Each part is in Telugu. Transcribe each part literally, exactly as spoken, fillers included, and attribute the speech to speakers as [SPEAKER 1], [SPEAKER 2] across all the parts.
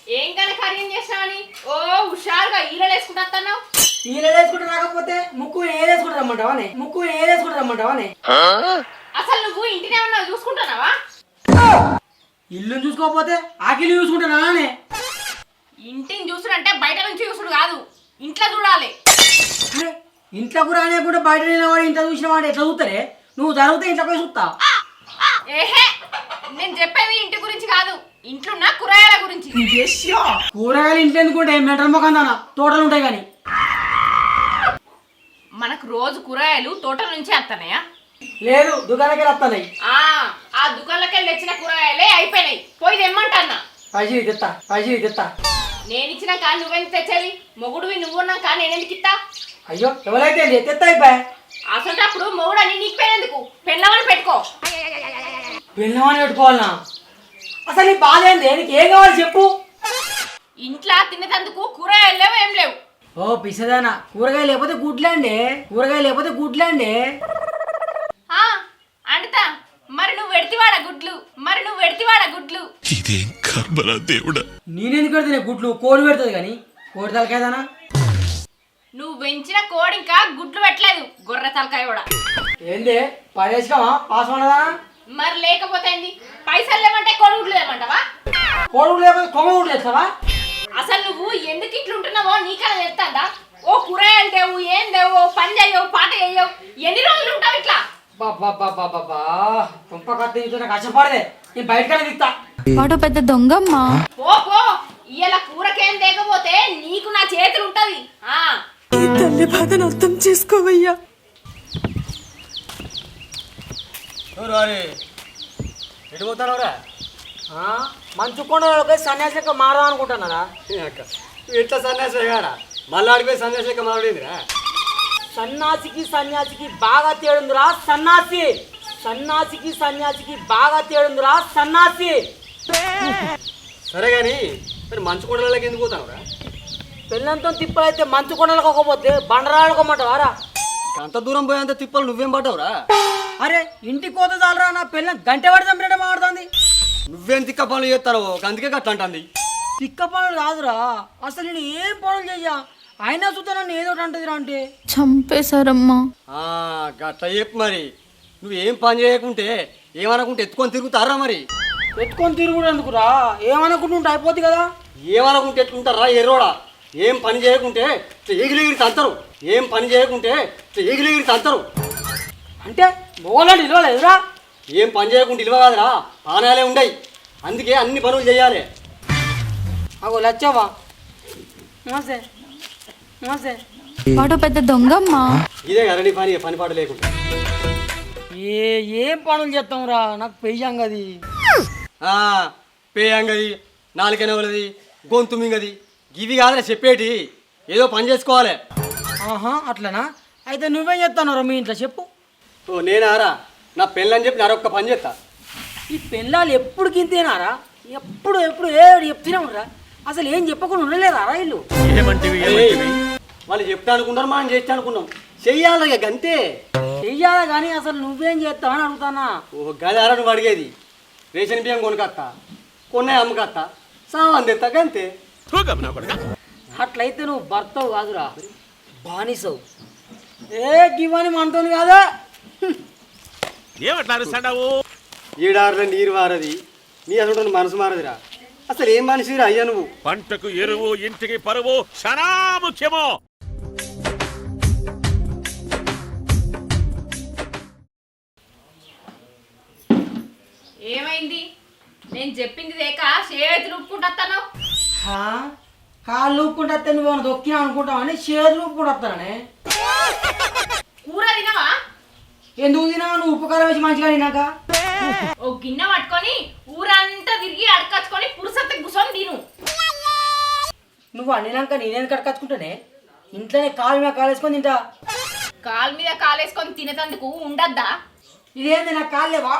[SPEAKER 1] ఏం కనుక కర్రీ చేసినావని ఓ హుషారుగా ఈలలు వేసుకుంటాను.
[SPEAKER 2] ఈలలు వేసుకుంటూ రాకపోతే ముక్కు ఏదేసుకుంటూ రమ్మంటావానే ముక్కు ఏదేసుకుంటూ రమ్మంటావానే
[SPEAKER 1] అసలు నువ్వు ఇంటినే ఉన్నావు చూసుకుంటున్నావా?
[SPEAKER 2] ఇల్లుని చూసుకోకపోతే ఆకిలి చూసుకుంటానానే.
[SPEAKER 1] ఇంటిని చూసుడంటే బయట నుంచి చూసుడు కాదు, ఇంట్లో చూడాలి.
[SPEAKER 2] అరే ఇంట్లోకి రానియకుండా బయట నిలవాడు ఇంట్లో చూసిన వాడు ఎట్లా చూస్తారే? నువ్వు జరిగితే ఇంట్లో పోయి చూస్తా.
[SPEAKER 1] ఏహే నేను చెప్పేది ఇంటి గురించి కాదు, ఇంట్లో ఉన్న కూరగాయల గురించి.
[SPEAKER 2] కూరగాయలు ఇంట్లో ఎందుకుంటే మెటర్ మొఖం దానా తోటలు ఉంటాయి కానీ
[SPEAKER 1] మనకు రోజు కూరగాయలు తోటల నుంచి వస్తున్నాయా?
[SPEAKER 2] లేదు దుకాణానికి వస్తున్నాయి.
[SPEAKER 1] ఆ ఆ దుకాణంలోకి వెళ్ళి తెచ్చిన కూరగాయలే అయిపోయినాయి, పోయి తెమ్మంటన్నా.
[SPEAKER 2] పైసలు తెత్తా పైసలు తెత్తా.
[SPEAKER 1] నేను ఇచ్చినా కానీ నువ్వెందుకు తెచ్చేది? మొగుడువి నువ్వున్నాం కానీ నేనెందుకు ఇస్తా?
[SPEAKER 2] అయ్యో ఎవరైతే తెత్తా అయిపోయా.
[SPEAKER 1] అసలు అప్పుడు మొగుడు అని నీకు పేరెందుకు? పెళ్ళమని పెట్టుకో.
[SPEAKER 2] పెళ్ళమని పెట్టుకోవాలనా? అసలు నీ బాధ ఏంది? నీకు ఏం కావాలి చెప్పు.
[SPEAKER 1] ఇంట్లో తినేటందుకు కూరగాయలు లేవు, ఏం లేవు.
[SPEAKER 2] ఓ పిసదానా, కూరగాయ లేకపోతే గుడ్లండి, కూరగాయ లేకపోతే గుడ్లండి.
[SPEAKER 1] అంటా మరి నువ్వు వెడితివాడ గుడ్లు, మరి నువ్వు వెడితివాడ గుడ్లు.
[SPEAKER 3] ఇదేం కర్మరా దేవుడా.
[SPEAKER 2] నేనెందుకు పెడతానే గుడ్లు? కోడి పెడుతుంది కానీ కోడి తలకాయదానా?
[SPEAKER 1] నువ్వు పెంచిన కోడి ఇంకా గుడ్లు పెట్టలేదు, గొర్రె తలకాయ కూడా.
[SPEAKER 2] ఏంది పదేసుకోమా పాస్ ఉండదా?
[SPEAKER 1] మరి లేకపోతే ఏంది? పైసలు లేవంటే కోడి గుడ్లు లేమంటావా?
[SPEAKER 2] కోడి గుడ్లు లేకపోతే కొమ్మ గుడ్లు వేస్తావా?
[SPEAKER 1] అసలు నువ్వు ఎందుకు ఇట్లుంటున్నావో నీకన్నా తెలుస్తుందా? ఓ కూరగాయలు దేవు, ఏం దేవు, పని చేయవు, పాట చేయవు, ఎన్ని రోజులు ఉంటావు ఇట్లా?
[SPEAKER 2] బాబా తుంప కత్తి నాకు కష్టపడదే, నేను బయటకెళ్ళి దిక్తా.
[SPEAKER 4] వాడు పెద్ద దొంగమ్మా.
[SPEAKER 1] పో పో, ఇయ్యాల కూరకేం తేకపోతే నీకు నా చేతులు ఉంటది. ఆ
[SPEAKER 5] ఈ తల్లి బాధను అర్థం చేసుకోవయ్యా.
[SPEAKER 2] ఎటు పోతానవరా? మంచు కొండ సన్యాసి మారదాం అనుకుంటున్నారా?
[SPEAKER 6] ఎట్లా సన్యాసి కాడా మళ్ళీ ఆడిపోయి సన్యాసి మారేదిరా?
[SPEAKER 2] సన్నాసికి సన్యాసికి బాగా తేడుందిరా సన్నాసి. సన్నాసికి సన్యాసికి బాగా తేడుందిరా సన్నాసి.
[SPEAKER 6] సరే గాని మరి మంచు కొండలకి ఎందుకు పోతావురా?
[SPEAKER 2] పెళ్ళంతో తిప్పలైతే మంచు కొండలకు ఒకపోతే బండరాడుకోమంటావారా?
[SPEAKER 6] అంత దూరం పోయేంత తిప్పలు నువ్వేం పడ్డావురా?
[SPEAKER 2] అరే ఇంటికి పోతే చాలరా, నా పెళ్ళం గంట పడి చంపినట్టు మాడుతుంది.
[SPEAKER 6] నువ్వేం తిక్క పనులు చేస్తావు అందుకే గట్ల అంటుంది.
[SPEAKER 2] తిక్క పనులు కాదురా, అసలు నేను ఏం పనులు చెయ్యా, అయినా చూస్తే నన్ను ఏదో అంటదిరా. అంటే
[SPEAKER 4] చంపేశారమ్మా.
[SPEAKER 6] గట్ల చెప్పు మరి. నువ్వేం పని చేయకుంటే ఏమనుకుంటే ఎత్తుకొని తిరుగుతారా? మరి
[SPEAKER 2] ఎత్తుకొని తిరుగుడు ఎందుకురా, ఏమనుకుంటుంటే అయిపోద్ది కదా.
[SPEAKER 6] ఏమనుకుంటే ఎట్లుంటారా ఎర్రోడా? ఏం పని చేయకుంటే ఎగిలిగిరి తంతరు, ఏం పని చేయకుంటే ఎగిలిగిరి తంతరు.
[SPEAKER 2] అంటే మొగలాంటి ఇవ్వలేదురా?
[SPEAKER 6] ఏం పని చేయకుండా ఇల్వ కాదురా, పానాలే ఉండయి. అందుకే అన్ని పనులు చేయాలి.
[SPEAKER 2] అగో లచ్చావా? నమస్తే నమస్తే.
[SPEAKER 4] వాడు పెద్ద దొంగమ్మా.
[SPEAKER 6] ఇదే కదా నీ పని, పని పాట లేకుండా.
[SPEAKER 2] ఏ ఏం పనులు చేస్తాంరా, నాకు పెయ్యంగది
[SPEAKER 6] పేయంగది, నాలుకనవలది, గొంతు మింగది, ఇవి కాదురా చెప్పేటి. ఏదో పని చేసుకోవాలి.
[SPEAKER 2] ఆహా అట్లనా? అయితే నువ్వేం చేస్తావురా మీ ఇంట్లో చెప్పు.
[SPEAKER 6] ఓ నేనారా? నా పెళ్ళని చెప్పి నారొక్క పని చేస్తా.
[SPEAKER 2] ఈ పెళ్ళాలు ఎప్పుడు గింతేనారా? ఎప్పుడు ఎప్పుడు ఏడు చెప్తూనే అసలు ఏం చెప్పకుండా ఉండలేరా ఇల్లు?
[SPEAKER 6] వాళ్ళు చెప్తా అనుకున్నారు, మనం చేస్తా అనుకున్నాం. చెయ్యాలి ఇక గంతే.
[SPEAKER 2] చెయ్యాలా కానీ అసలు నువ్వేం చేస్తావు అని అడుగుతానా.
[SPEAKER 6] ఓ గదారా నువ్వు అడిగేది? రేషన్ బియ్యం కొనుకత్తా, కొన్నాయి అమ్మకత్తా, సామాన్ తెస్తా గంతే.
[SPEAKER 2] అట్లయితే నువ్వు భర్తవు కాదురా, బానిసవు. ఏ గివ్వని మనతోని కాదా?
[SPEAKER 6] ఈడారులో నీరు మారది, నీ అసలు మనసు మారదిరా. అసలు ఏం మనిషిరా అయ్యా నువ్వు?
[SPEAKER 3] పంటకు ఎరువు, ఇంటికి పరువు చాలా ముఖ్యమో.
[SPEAKER 1] ఏమైంది? నేను చెప్పింది దేక చేతులు ఊపుకుంటాను.
[SPEAKER 2] కాళ్ళు ఊపుకుంటే నువ్వు దొక్కినా అనుకుంటావు అని చేతులు ఊపుకుంటానే.
[SPEAKER 1] కూర తినవా?
[SPEAKER 2] ఎందుకు తినావా? నువ్వు ఉపకారం వేసి మంచిగా తినాక
[SPEAKER 1] ఓ గిన్నె పట్టుకొని ఊరంతా తిరిగి అడకచ్చుకొని పురుసత్త కూర్చొని తిను.
[SPEAKER 2] నువ్వు వండినాక నేనేది కట్టుకచ్చుకుంటానే, ఇంట్లోనే కాలు మీద కాలు వేసుకొని తింటా.
[SPEAKER 1] కాలు మీద కాలేసుకొని తినేటందుకు ఉండద్దా?
[SPEAKER 2] ఇదేంది నాకు కాలు లేవా?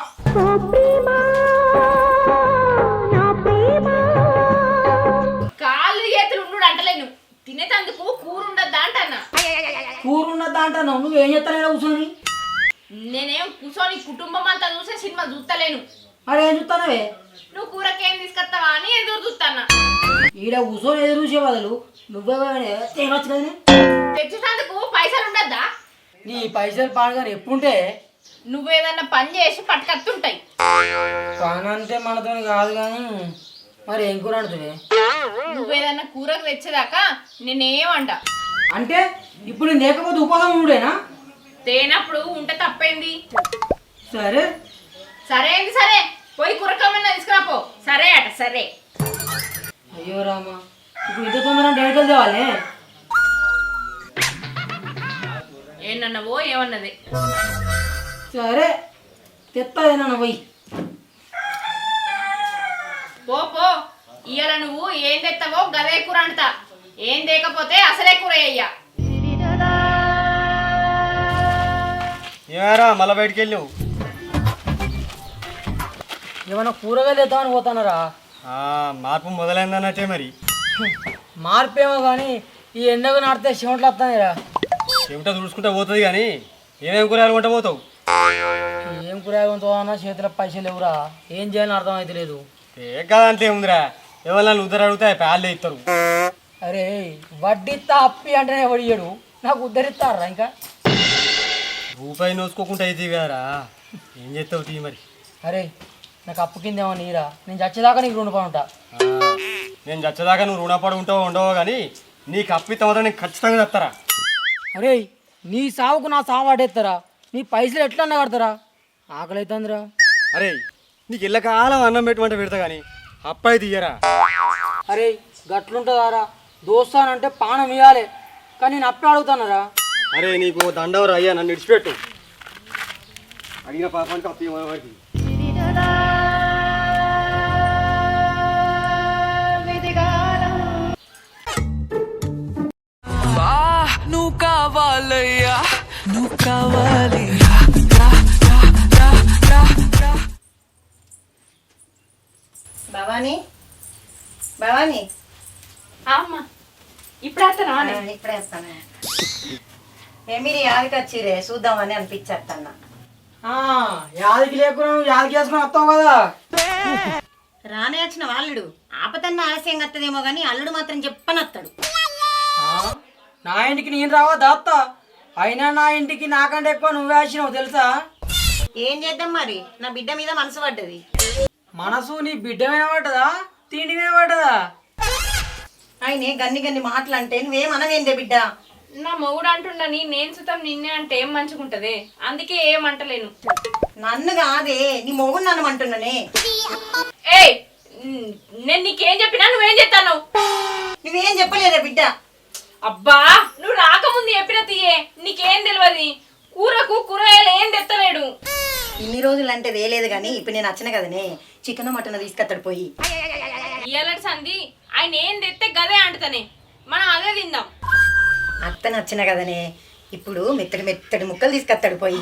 [SPEAKER 1] కాళ్ళు చేతులు ఉండు అంటలేను, తినేటందుకు కూర ఉండద్దా అంటన్నా.
[SPEAKER 2] కూర ఉన్నదా అంటాను, నువ్వేం చేస్తానే కూర్చొని?
[SPEAKER 1] నేనేం కూర్చొని కుటుంబం అంతా చూసే సినిమా చూస్తలేను.
[SPEAKER 2] మరి ఏం చూస్తానవే?
[SPEAKER 1] నువ్వు కూరకేం తీసుకొస్తావా అని ఎదురు చూస్తానా.
[SPEAKER 2] ఈడ కూర్చొని ఎదురు చూసే బదులు నువ్వే తేవచ్చు కదనే.
[SPEAKER 1] తెచ్చేటందుకు పైసలు ఉండద్దా?
[SPEAKER 2] నీ పైసలు పాడగానే ఎప్పుడుంటే
[SPEAKER 1] నువ్వేదన్నా పని చేసి పట్టుకత్తుంటాయి.
[SPEAKER 2] పని అంటే మనతో కాదు కానీ మరి ఏం కూర అంటుంది?
[SPEAKER 1] నువ్వేదన్నా కూరకు తెచ్చేదాకా నేనేమంట.
[SPEAKER 2] అంటే ఇప్పుడు నేను లేకపోతే ఉపవాసం ఉండేనా?
[SPEAKER 1] తేనప్పుడు ఉంటే తప్పైంది.
[SPEAKER 2] సరే
[SPEAKER 1] సరే ఏంది సరే, పోయి కూరకమన్నా తీసుకురాపో. సరే అట సరే.
[SPEAKER 2] అయ్యో రామా, ఇప్పుడు ఇంత తొందర డేట్ తేవాలి.
[SPEAKER 1] ఏమన్నావో ఏమన్నది.
[SPEAKER 2] సరే తెత్తదేనా పోయి.
[SPEAKER 1] పో పో, ఇయ్యాల నువ్వు ఏం తెస్తావో గదే కూర అంటా. ఏం తేకపోతే అసలే కూర అయ్యా.
[SPEAKER 6] ఏమారా మళ్ళీ బయటికి వెళ్ళావు?
[SPEAKER 2] ఏమన్నా కూరగాయలు తెద్దామని పోతున్నారా?
[SPEAKER 6] మార్పు మొదలైందన్నట్టే మరి.
[SPEAKER 2] మార్పేమో కానీ ఈ ఎండకు నాడితే చెమటలు వస్తాయిరా.
[SPEAKER 6] చెమట తుడుచుకుంటా పోతుంది కానీ ఏమేమి కూరగాయలు కొంట పోతావు?
[SPEAKER 2] ఏం కూరగాయలు అన్నా చేతిలో పైసలు లేవురా. ఏం చేయాలని అర్థం అయితే లేదు.
[SPEAKER 6] ఏ కాదంటే ఏముందిరా, ఎవరన్నా ఉద్దరు అడిగితే ప్యాళ్ళే ఇస్తారు.
[SPEAKER 2] అరే వడ్డిస్తా అప్పి అంటేనే వడియడు, నాకు ఉద్ధరిస్తారా ఇంకా?
[SPEAKER 6] రూపాయి నోసుకోకుండా అయితే కదరా, ఏం చేస్తావు తీ మరి.
[SPEAKER 2] అరే నాకు అప్పు కిందేమో నీరా, నేను చచ్చేదాకా నీకు రుణపడి ఉంటా.
[SPEAKER 6] నేను చచ్చేదాకా నువ్వు రుణపడి ఉంటావో ఉండవో కానీ నీకు అప్పిత మాత్రం నేను ఖచ్చితంగా చెప్తారా.
[SPEAKER 2] అరే నీ సావుకు నా సావు వాడేస్తారా? నీ పైసలు ఎట్లా అన్న కడతారా? ఆకలి అవుతుందిరా.
[SPEAKER 6] అరే నీకు ఇళ్ళ కాలం అన్నం పెట్టమంటే పెడతా కానీ అప్పాయి తీయరా.
[SPEAKER 2] అరే గట్లుంటుందారా, దోస్తానంటే పానం ఇవ్వాలి కానీ నేను అప్పే అడుగుతానరా.
[SPEAKER 6] అరే నీకు దండవరా అయ్యా, నన్ను ఇడిచిపెట్టు. అడిగిన పాపానికి అప్పు ఇవ్వడానికి
[SPEAKER 7] నువ్వు కావాలయ్యా, నువ్వు కావాలి.
[SPEAKER 8] భవానీ భవానీ
[SPEAKER 1] అమ్మ ఇప్పుడు వస్తానా?
[SPEAKER 8] ఇప్పుడే వస్తాను. మీరు యాదికి వచ్చిరే చూద్దామని అనిపించేస్తాను.
[SPEAKER 2] యాదికి లేకుండా నువ్వు యాదికి వేసుకుని వస్తావు కదా.
[SPEAKER 8] రానే వచ్చిన వాళ్ళుడు ఆపతన్న ఆలస్యంగా వస్తుందేమో కానీ అల్లుడు మాత్రం చెప్పనత్తాడు.
[SPEAKER 2] నా ఇంటికి నేను రావా దాత్తా, అయినా నా ఇంటికి నాకంటే ఎక్కువ నువ్వే వచ్చినావు తెలుసా.
[SPEAKER 8] ఏం చేద్దాం మరి, నా బిడ్డ మీద మనసు పడ్డది.
[SPEAKER 2] మనసు నీ బిడ్డ మీద పడ్డదా, తిండి మీద పడ్డదా?
[SPEAKER 8] ఆయనే గన్ని గన్ని మాటలు అంటే నువ్వేమనవేందే బిడ్డ?
[SPEAKER 1] నా మొగుడు అంటుండని నేను సుతం నిన్నే అంటే ఏం మంచిగుంటది, అందుకే ఏం అంటలేను.
[SPEAKER 8] నన్ను కాదే నీ మొగుడు నన్ను అంటున్నానే.
[SPEAKER 1] ఏయ్ నేను నీకేం చెప్పినా నువ్వేం చెప్తాను?
[SPEAKER 8] నువ్వేం చెప్పలేదే బిడ్డ.
[SPEAKER 1] అబ్బా నువ్వు రాకముందు చెప్పిన తీయే, నీకేం తెలియదు. కూరకు కూరగాయలు ఏం తెత్తలేడు.
[SPEAKER 8] ఇన్ని రోజులు అంటే వేయలేదు కానీ ఇప్పుడు నేను వచ్చిన కదనే, చికెన్ మటన్ తీసుకొస్తాడు పోయి.
[SPEAKER 1] ఇయ్యాలటి సంది ఆయన ఏం తెస్తే గదే అంటతనే, మనం అదే తిందాం.
[SPEAKER 8] అత్త నచ్చిన కదనే, ఇప్పుడు మెత్తడి మెత్తడి ముక్కలు తీసుకొస్తాడు పోయి.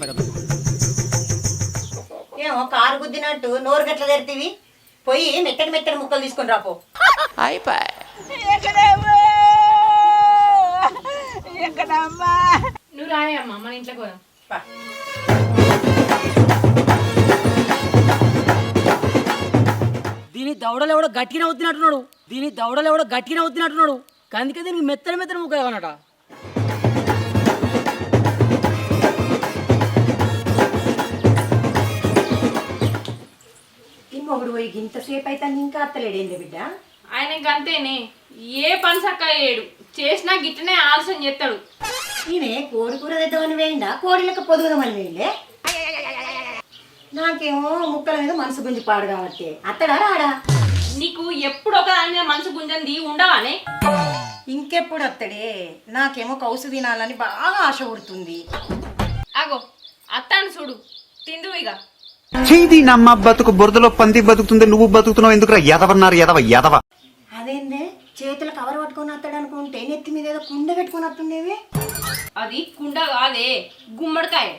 [SPEAKER 8] ఏమో కారు గుద్దినట్టు నోరు గట్ల తెరితివి, పోయి మెత్తడి మెత్తడి ముక్కలు తీసుకొని రాపో.
[SPEAKER 7] అయిపోయి
[SPEAKER 1] నువ్వు రాయే అమ్మా, మన ఇంట్లోకి పోదాం.
[SPEAKER 2] దీని దవడలు ఎవడో గట్టిగా అవుతున్నట్టున్నాడు, దీని దవడలు ఎవడో గట్టిగా అవుతున్నట్టున్నాడు. అందుకే దీనికి మెత్తని మెత్తని ముక్క కానట.
[SPEAKER 8] ఈ మొగుడు పోయి ఇంతసేపు అయితే ఇంకా అత్తలేడేంది బిడ్డ?
[SPEAKER 1] ఆయన గంతేనే, ఏ పని చక్క చేయడు, చేసినా గిట్టనే ఆలస్యం చేస్తాడు.
[SPEAKER 8] ఈమె కోడి కూర తెద్దామని వేయండా, కోడిలకు పొదుగుదామని వేయండే. నాకేమో ముక్కల మీద మనసు గుంజి పాడు కాబట్టి అత్తడా రాడా?
[SPEAKER 1] నీకు ఎప్పుడు ఒక దాని మీద మనసు గుంజంది ఉండవానే?
[SPEAKER 8] ఇంకెప్పుడు అత్తడే, నాకేమో కౌసు తినాలని బాగా ఆశ పుడుతుంది.
[SPEAKER 1] అగో అత్తాను చూడు, తిందు ఇక.
[SPEAKER 9] చేది నమ్మ బతుకు బురదలో పంది బతుకుతుంది, నువ్వు బతుకుతున్నావు ఎందుకురా ఎదవన్నారు ఎదవ ఎదవ.
[SPEAKER 8] అదేందే చేతులు కవర్ పట్టుకొని వస్తాడు అనుకుంటే నెత్తి మీద ఏదో కుండ పెట్టుకొని వస్తుండేవి.
[SPEAKER 1] అది కుండ కాదే, గుమ్మడికాయ.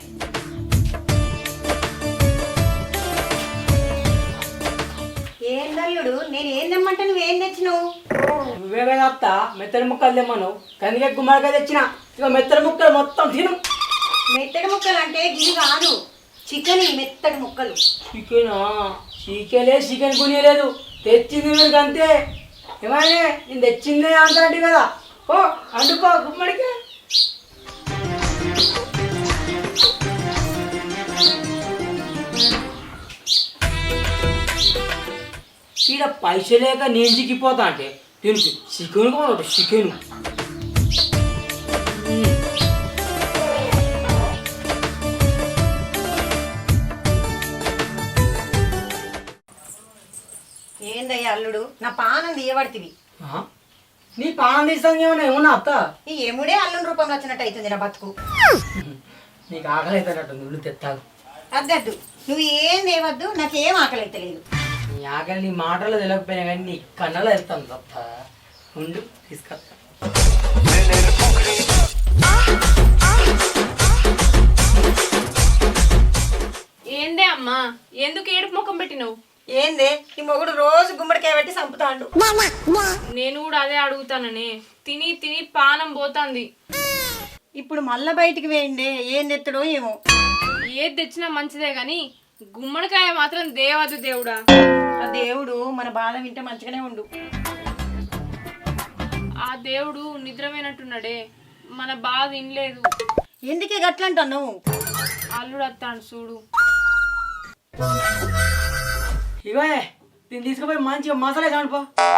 [SPEAKER 8] ఏందల్లుడు నేను ఏం తెమ్మంటే నువ్వేం తెచ్చినావు?
[SPEAKER 2] నువ్వే కదా అత్త మెత్తడి ముక్కలు తెమ్మను, కందికే గుమ్మడికాయ తెచ్చిన. ఇక మెత్తడి ముక్కలు మొత్తం తిను.
[SPEAKER 8] మెత్తడి ముక్కలు అంటే గిరి కాదు, చికెన్ మెత్తడి ముక్కలు.
[SPEAKER 2] చికెనా? చికెనే చికెన్ కొనియలేదు, తెచ్చింది మీరు అంతే. ఏమైనా నేను తెచ్చిందే అంటాంటి కదా ఓ అండుకో గుమ్మడికి. ఈడ పైసలు లేక నేను చిక్కిపోతా అంటే దీనికి చికెన్ కొనట చికెన్.
[SPEAKER 8] ఏందయ్యా అల్లుడు నా పానం తీయబడితివి.
[SPEAKER 2] నీ పానం తీసాను ఏమన్నా ఏమన్నా అత్త
[SPEAKER 8] ఈ ఎముడే అల్లుని రూపంలో వచ్చినట్టు అవుతుంది నా బతుకు.
[SPEAKER 2] నీకు ఆకలి అవుతున్నట్టుంది నువ్వు తెత్తాగు.
[SPEAKER 8] అద్దద్దు నువ్వు ఏం తేవద్దు, నాకేం ఆకలి అయితే లేదు.
[SPEAKER 2] నీ ఆకలి నీ మాటల్లో తెలియకపోయినా కానీ నీ కన్నలో వెళ్తాను తప్ప ఉండు తీసుకొస్తా.
[SPEAKER 1] ఏందే అమ్మా ఎందుకు ఏడుపు ముఖం పెట్టినావు?
[SPEAKER 8] ఏందే ఈ మొగుడు రోజు గుమ్మడికాయ పెట్టి చంపుతాండు.
[SPEAKER 1] నేను కూడా అదే అడుగుతాననే, తిని తిని పానం పోతాంది.
[SPEAKER 8] ఇప్పుడు మళ్ళా బయటికి వేయండి ఏం తెత్తడో ఏమో.
[SPEAKER 1] ఏది తెచ్చినా మంచిదే గాని గుమ్మడికాయ మాత్రం దేవదు దేవుడా.
[SPEAKER 8] ఆ దేవుడు మన బాధ వింటే మంచిగానే ఉండు.
[SPEAKER 1] ఆ దేవుడు నిద్రపోయినట్టున్నాడే, మన బాధ వినలేదు.
[SPEAKER 8] ఎందుకే గట్లంటావు?
[SPEAKER 1] అల్లుడు వస్తాడు చూడు.
[SPEAKER 2] ఇవే దీన్ని తీసుకుపోయి మంచిగా మసాలా కానుపో.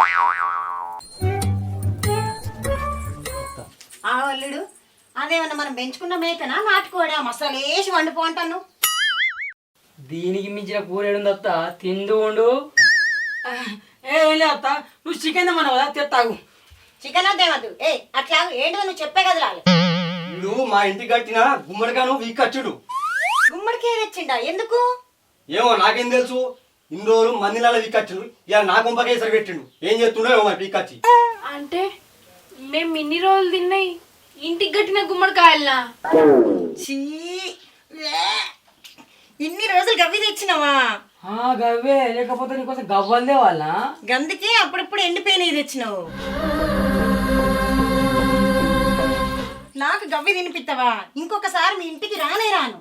[SPEAKER 8] ఆ అల్లుడు అదేమన్నా మనం పెంచుకున్న మేకనా నాటుకోడా మసాలా వేసి వండుకో అంటాను.
[SPEAKER 2] దీనికి మించిన కూర ఏడుంది అత్త తిండు ఉండు. ఏ ఏం లేదు అత్త నువ్వు చికెన్ తెమ్మన్నావు కదా తెత్తాగు.
[SPEAKER 8] చికెన్ అదేమద్దు ఏ అట్లా ఏంటో నువ్వు చెప్పే కదా రాలే.
[SPEAKER 6] నువ్వు మా ఇంటికి కట్టిన గుమ్మడికాను వీకచ్చుడు.
[SPEAKER 8] గుమ్మడికాయ తెచ్చిండా ఎందుకు?
[SPEAKER 6] ఏమో నాకేం తెలుసు. ఇన్ని రోజులు మందిలాల వీకచ్చుడు, ఇలా నా గుంపకే సరి పెట్టిండు. ఏం చేస్తుండో ఏమో మరి పీకచ్చి.
[SPEAKER 1] అంటే మేము ఇన్ని రోజులు తిన్నాయి ఇంటికి కట్టిన గుమ్మడికాయలనా?
[SPEAKER 8] చీ ఇన్ని రోజులు గవ్వి తెచ్చినావా?
[SPEAKER 2] గవ్వే లేకపోతే నీకోసం గవ్వలదే వాళ్ళ
[SPEAKER 8] గందుకే అప్పుడప్పుడు ఎండిపోయినవి తెచ్చినావు. నాకు గవ్వి తినిపిస్తావా? ఇంకొకసారి మీ ఇంటికి రానే రాను.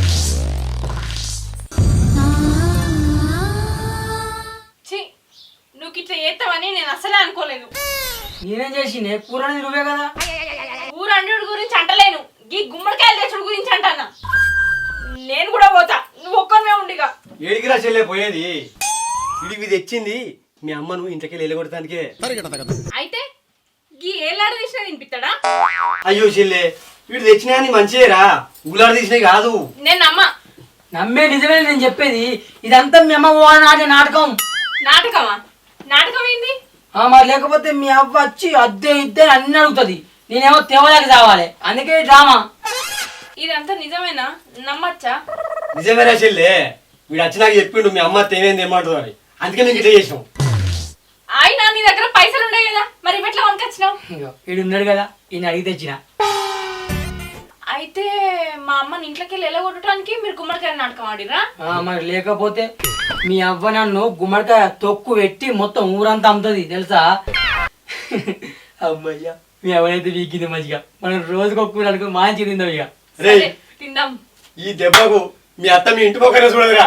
[SPEAKER 1] ఛీ నువ్వు ఇట్లా చేస్తావని నేను అసలే అనుకోలేదు.
[SPEAKER 2] నేనేం చేసిండే కూర అనేది నువ్వే కదా.
[SPEAKER 1] ఊరు అండు గురించి అంటలేను, ఈ గుమ్మడికాయలు తెచ్చుడు గురించి అంటానా. నేను కూడా పోతా, నువ్వు ఒక్కనే ఉండిగా.
[SPEAKER 6] ఏడికిరా చెల్లే పోయేది? ఇడికి తెచ్చింది మీ అమ్మను ఇంటికి వెళ్ళగొడటానికే.
[SPEAKER 1] అయితే ఈ ఏలాడ తీసినా తినిపిస్తాడా?
[SPEAKER 6] అయ్యో చెల్లే వీడు తెచ్చినా అని మంచిదేరా, ఊలాడ తీసినవి కాదు.
[SPEAKER 1] నేను నమ్మ.
[SPEAKER 2] నమ్మే నిజమే నేను చెప్పేది. ఇదంతా మీ అమ్మ వాళ్ళ నాటే నాటకం.
[SPEAKER 1] నాటకమా? నాటకం ఏంది?
[SPEAKER 2] మరి లేకపోతే మీ అవ్వ వచ్చి అద్దె ఇద్దే అన్ని అడుగుతుంది, నేనేమో తెవలేక కావాలి. అందుకే డ్రామా.
[SPEAKER 1] ఇదంతా నిజమేనా? నమ్మచ్చా?
[SPEAKER 6] నిజమేరా చెల్లే, వీడు వచ్చినాక చెప్పిండు మీ అమ్మ తేనేది ఏమంటుందో అని. అందుకే మేము ఇట్లా చేసినాం.
[SPEAKER 1] అయినా నీ దగ్గర పైసలు ఉన్నాయి కదా, మరి ఇవెట్లా వనకొచ్చినావు?
[SPEAKER 2] వీడు ఉన్నాడు కదా, ఈయన అడిగి తెచ్చిన.
[SPEAKER 1] అయితే మా అమ్మని ఇంట్లోకి వెళ్ళి ఎలగొట్టడానికి మీరు గుమ్మడికాయ నాటకం ఆడిరా?
[SPEAKER 2] మరి లేకపోతే మీ అవ్వ నన్ను గుమ్మడికాయ తొక్కు పెట్టి మొత్తం ఊరంతా అమ్ముతుంది తెలుసా. అమ్మయ్యా మీ అవ్వనైతే వీకింది మంచిగా. మనం రోజుకు ఒక్క కూర అనుకో మంచి తిందాం ఇక.
[SPEAKER 6] రే
[SPEAKER 1] తిందాం.
[SPEAKER 6] ఈ దెబ్బకు మీ అత్త మీ ఇంటి పక్కనే చూడదురా.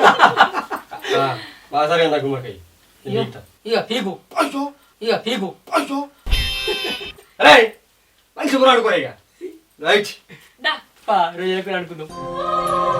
[SPEAKER 6] బాసారి అంత గుమ్మడికాయ
[SPEAKER 2] ఇక పీకు ఇక పీకు
[SPEAKER 6] రే మంచి కూర అనుకోరా ఇక. రైట్
[SPEAKER 1] దా
[SPEAKER 2] రోజులకు అనుకుందాం.